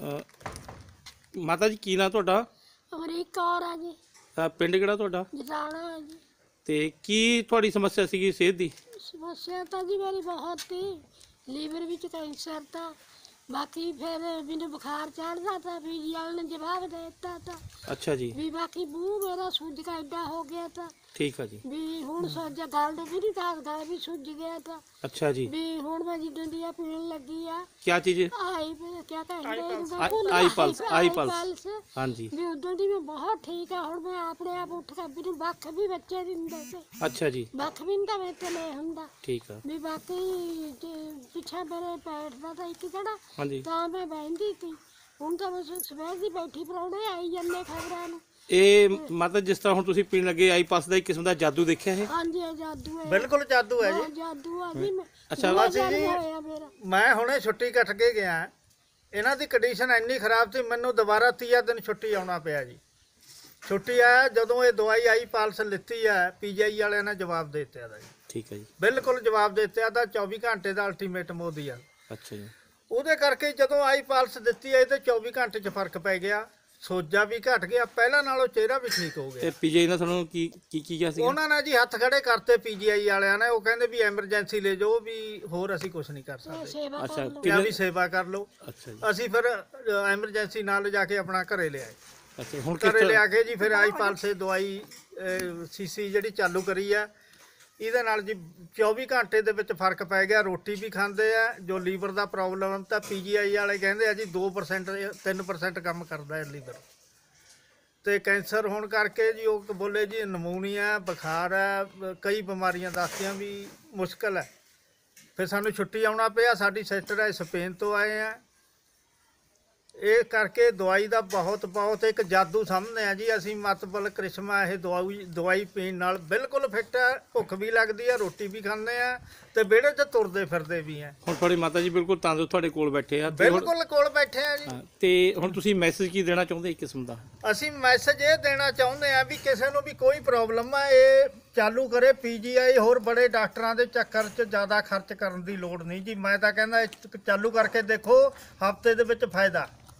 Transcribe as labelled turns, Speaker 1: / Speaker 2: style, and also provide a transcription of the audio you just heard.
Speaker 1: ਮਾਤਾ ਜੀ ਕੀ ਨਾਂ ਤੁਹਾਡਾ?
Speaker 2: ਅਮਰੀਕ ਕੌਰ ਆ ਜੀ,
Speaker 1: ਪਿੰਡ ਕਿਹੜਾ ਤੁਹਾਡਾ?
Speaker 2: ਜਟਾਣਾ ਆ ਜੀ।
Speaker 1: ਤੇ ਕੀ ਤੁਹਾਡੀ ਸਮੱਸਿਆ ਸੀਗੀ ਸਿਹਤ ਦੀ?
Speaker 2: ਸਮੱਸਿਆ ਤਾਂ ਜੀ ਮੇਰੀ ਬਹੁਤ ਸੀ, ਲੀਵਰ ਵਿੱਚ ਕੈਂਸਰ ਤਾਂ, ਬਾਕੀ ਫਿਰ ਮੈਨੂੰ ਬੁਖਾਰ ਚੜ੍ਹਦਾ ਤਾਂ ਪੀਜੀ ਵਾਲੇ ਨੇ ਜਵਾਬ ਦੇ ਦਿੱਤਾ ਤਾਂ
Speaker 1: ਅੱਛਾ ਜੀ,
Speaker 2: ਵੀ ਬਾਕੀ ਮੂੰਹ ਮੇਰਾ ਸੁੱਜ ਕੇ ਐਡਾ ਹੋ ਗਿਆ ਤਾਂ
Speaker 1: ਠੀਕ ਆ ਜੀ।
Speaker 2: ਵੀ ਹੁਣ ਸੋਜਾ ਗਲ ਵੀ ਨਹੀਂ ਦੱਸਦਾ ਵੀ ਸੁੱਜ ਗਿਆ ਤਾਂ
Speaker 1: ਅੱਛਾ ਜੀ,
Speaker 2: ਵੀ ਹੁਣ ਮੈਂ ਜਿੱਦਾਂ ਦੀ ਆ ਪੀਣ ਲੱਗੀ ਆ
Speaker 1: क्या चीज़?
Speaker 2: ਆਈ ਕਿਆ ਕਹਿੰਦੇ
Speaker 1: आई पल्स, आई पल्स। हाँ जी,
Speaker 2: ਵੀ ਉਦੋਂ ਦੀ ਮੈਂ ਬਹੁਤ ਠੀਕ ਆ। ਹੁਣ ਮੈਂ ਆਪਣੇ ਆਪ ਉੱਠ ਕੇ ਮੈਨੂੰ ਵੱਖ ਵੀ ਬੱਚੇ ਦਿੰਦੇ ਤੇ
Speaker 1: अच्छा जी,
Speaker 2: ਵੱਖ ਵੀ ਨਹੀਂ ਤਾਂ ਮੇਰੇ ਤੇ ਲੈ ਹੁੰਦਾ
Speaker 1: ठीक है।
Speaker 2: ਵੀ ਬਾਕੀ ਪਿੱਛੇ ਮੇਰੇ ਪੈਰ ਦਾ ਤਾਂ ਇੱਕ ਕਿਹੜਾ
Speaker 1: हाँ जी,
Speaker 2: ਤਾਂ ਮੈਂ ਬਹਿੰਦੀ ਸੀ। ਹੁਣ ਤਾਂ ਮੈਂ ਸਵੇਰ ਦੀ ਬੈਠੀ ਪਰੌਣੇ ਆਈ ਜਾਂਦੇ ਖਬਰਾਂ ਨੂੰ।
Speaker 1: ਇਹ ਮਤਲਬ ਜਿਸ ਤਰ੍ਹਾਂ ਹੁਣ ਤੁਸੀਂ ਪੀਣ ਲੱਗੇ ਆਈ ਪਾਸ ਦਾ ਇੱਕ ਕਿਸਮ ਦਾ ਜਾਦੂ ਦੇਖਿਆ ਇਹ?
Speaker 2: ਹਾਂਜੀ ਇਹ ਜਾਦੂ ਹੈ,
Speaker 3: ਬਿਲਕੁਲ ਜਾਦੂ ਹੈ ਜੀ।
Speaker 2: ਜਾਦੂ ਆ ਜੀ।
Speaker 1: ਅੱਛਾ,
Speaker 2: ਬੁਰਾ
Speaker 3: ਅਸੀਂ ਜੀ
Speaker 2: ਜਾਦੂ ਹੋਇਆ ਮੇਰਾ।
Speaker 3: ਮੈਂ ਹੁਣੇ ਛੁੱਟੀ ਕੱਟ ਕੇ ਗਿਆ। ਇਹਨਾਂ ਦੀ ਕੰਡੀਸ਼ਨ ਇੰਨੀ ਖਰਾਬ ਸੀ, ਮੈਨੂੰ ਦੁਬਾਰਾ 30 ਦਿਨ ਛੁੱਟੀ ਆਉਣਾ ਪਿਆ ਜੀ। ਛੁੱਟੀ ਆਇਆ ਜਦੋਂ ਇਹ ਦਵਾਈ ਆਈ ਪਾਲਸ ਲਿੱਤੀ ਹੈ, ਪੀਜੀਆਈ ਵਾਲਿਆਂ ਨੇ ਜਵਾਬ ਦੇ ਦਿੱਤਾ ਦਾ ਜੀ।
Speaker 1: ਠੀਕ ਹੈ ਜੀ,
Speaker 3: ਬਿਲਕੁਲ ਜਵਾਬ ਦੇ ਦਿੱਤਾ ਦਾ 24 ਘੰਟੇ ਦਾ ਅਲਟੀਮੇਟਮ ਉਹਦੀ ਆ।
Speaker 1: ਅੱਛਾ ਜੀ,
Speaker 3: ਉਹਦੇ ਕਰਕੇ ਜਦੋਂ ਆਈ ਪਾਲਸ ਦਿੱਤੀ ਹੈ ਤੇ 24 ਘੰਟੇ 'ਚ ਫਰਕ ਪੈ ਗਿਆ, ਸੋਜਾ ਵੀ ਘਟ ਗਿਆ, ਪਹਿਲਾਂ ਨਾਲੋਂ ਚਿਹਰਾ ਵੀ ਠੀਕ ਹੋ ਗਿਆ।
Speaker 1: ਤੇ ਪੀਜੀ ਨੇ ਤੁਹਾਨੂੰ ਕੀ ਕੀ ਕਿਹਾ ਸੀ?
Speaker 3: ਉਹਨਾਂ ਨੇ ਜੀ ਹੱਥ ਖੜੇ ਕਰਤੇ ਪੀਜੀਆਈ ਵਾਲਿਆਂ ਨੇ। ਉਹ ਕਹਿੰਦੇ ਵੀ ਐਮਰਜੈਂਸੀ ਲੈ ਜਾਓ, ਵੀ ਹੋਰ ਅਸੀਂ ਕੁਝ ਨਹੀਂ ਕਰ ਸਕਦੇ,
Speaker 2: ਸੇਵਾ
Speaker 1: ਅੱਛਾ,
Speaker 2: ਕਰ ਲਓ।
Speaker 3: ਕਿਹਾ ਵੀ ਸੇਵਾ ਕਰ ਲਓ।
Speaker 1: ਅੱਛਾ ਜੀ,
Speaker 3: ਅਸੀਂ ਫਿਰ ਐਮਰਜੈਂਸੀ ਨਾਲ ਲਿਜਾ ਕੇ ਆਪਣਾ ਘਰੇ ਲਿਆਏ।
Speaker 1: ਅੱਛਾ ਹੁਣ ਕਿਸ
Speaker 3: ਘਰੇ
Speaker 1: ਤਰ੍ਹਾਂ?
Speaker 3: ਲਿਆ ਕੇ ਜੀ ਫਿਰ ਆਈ ਪਾਲਸੇ ਦਵਾਈ ਸੀਸੀ ਜਿਹੜੀ ਚਾਲੂ ਕਰੀ ਆ, ਇਹਦੇ ਨਾਲ ਜੀ 24 ਘੰਟੇ ਦੇ ਵਿੱਚ ਫਰਕ ਪੈ ਗਿਆ। ਰੋਟੀ ਵੀ ਖਾਂਦੇ ਆ। ਜੋ ਲੀਵਰ ਦਾ ਪ੍ਰੋਬਲਮ ਤਾਂ ਪੀਜੀਆਈ ਵਾਲੇ ਕਹਿੰਦੇ ਆ ਜੀ 2% 3% ਕੰਮ ਕਰਦਾ ਹੈ ਲੀਵਰ। ਤੇ ਕੈਂਸਰ ਹੋਣ ਕਰਕੇ ਜੀ ਉਹ ਬੋਲੇ ਜੀ ਨਮੂਨੀਆ, ਬੁਖਾਰ ਹੈ, ਕਈ ਬਿਮਾਰੀਆਂ ਦੱਸਦੀਆਂ ਵੀ ਮੁਸ਼ਕਲ ਹੈ। ਫਿਰ ਸਾਨੂੰ ਛੁੱਟੀ ਆਉਣਾ ਪਿਆ। ਸਾਡੀ ਸਿਸਟਰ ਹੈ ਸਪੇਨ ਤੋਂ ਆਏ ਆ। ਇਹ ਕਰਕੇ ਦਵਾਈ ਦਾ ਬਹੁਤ ਇੱਕ ਜਾਦੂ ਸਮਝਦੇ ਆ ਜੀ ਅਸੀਂ। ਮਤਲਬ ਕ੍ਰਿਸ਼ਮਾ ਇਹ ਦਵਾਈ ਪੀਣ ਨਾਲ ਬਿਲਕੁਲ ਫਿੱਟ ਹੈ। ਭੁੱਖ ਵੀ ਲੱਗਦੀ ਹੈ, ਰੋਟੀ ਵੀ ਖਾਂਦੇ ਆ ਤੇ ਵਿਹੜੇ 'ਚ ਤੁਰਦੇ ਫਿਰਦੇ ਵੀ ਆ।
Speaker 1: ਹੁਣ ਤੁਹਾਡੀ ਮਾਤਾ ਜੀ ਬਿਲਕੁਲ ਤੰਦਰੁਸਤ ਤੁਹਾਡੇ ਕੋਲ ਬੈਠੇ ਆ ਤੇ ਹੁਣ-
Speaker 3: ਬਿਲਕੁਲ ਕੋਲ ਬੈਠੇ ਆ ਜੀ।
Speaker 1: ਹਾਂ, ਤੇ ਹੁਣ ਤੁਸੀਂ ਮੈਸੇਜ ਕੀ ਦੇਣਾ ਚਾਹੁੰਦੇ ਇੱਕ ਕਿਸਮ ਦਾ?
Speaker 3: ਅਸੀਂ ਮੈਸੇਜ ਇਹ ਦੇਣਾ ਚਾਹੁੰਦੇ ਆ ਵੀ ਕਿਸੇ ਨੂੰ ਵੀ ਕੋਈ ਪ੍ਰੋਬਲਮ ਆ, ਇਹ ਚਾਲੂ ਕਰੇ ਪੀਜੀਆਈ। ਹੋਰ ਬੜੇ ਡਾਕਟਰਾਂ ਦੇ ਚੱਕਰ 'ਚ ਜ਼ਿਆਦਾ ਖਰਚ ਕਰਨ ਦੀ ਲੋੜ ਨਹੀਂ ਜੀ। ਮੈਂ ਤਾਂ ਕਹਿੰਦਾ ਇਹ ਚਾਲੂ ਕਰਕੇ ਦੇਖੋ, ਹਫਤੇ ਦੇ ਵਿੱਚ ਫਾਇਦਾ।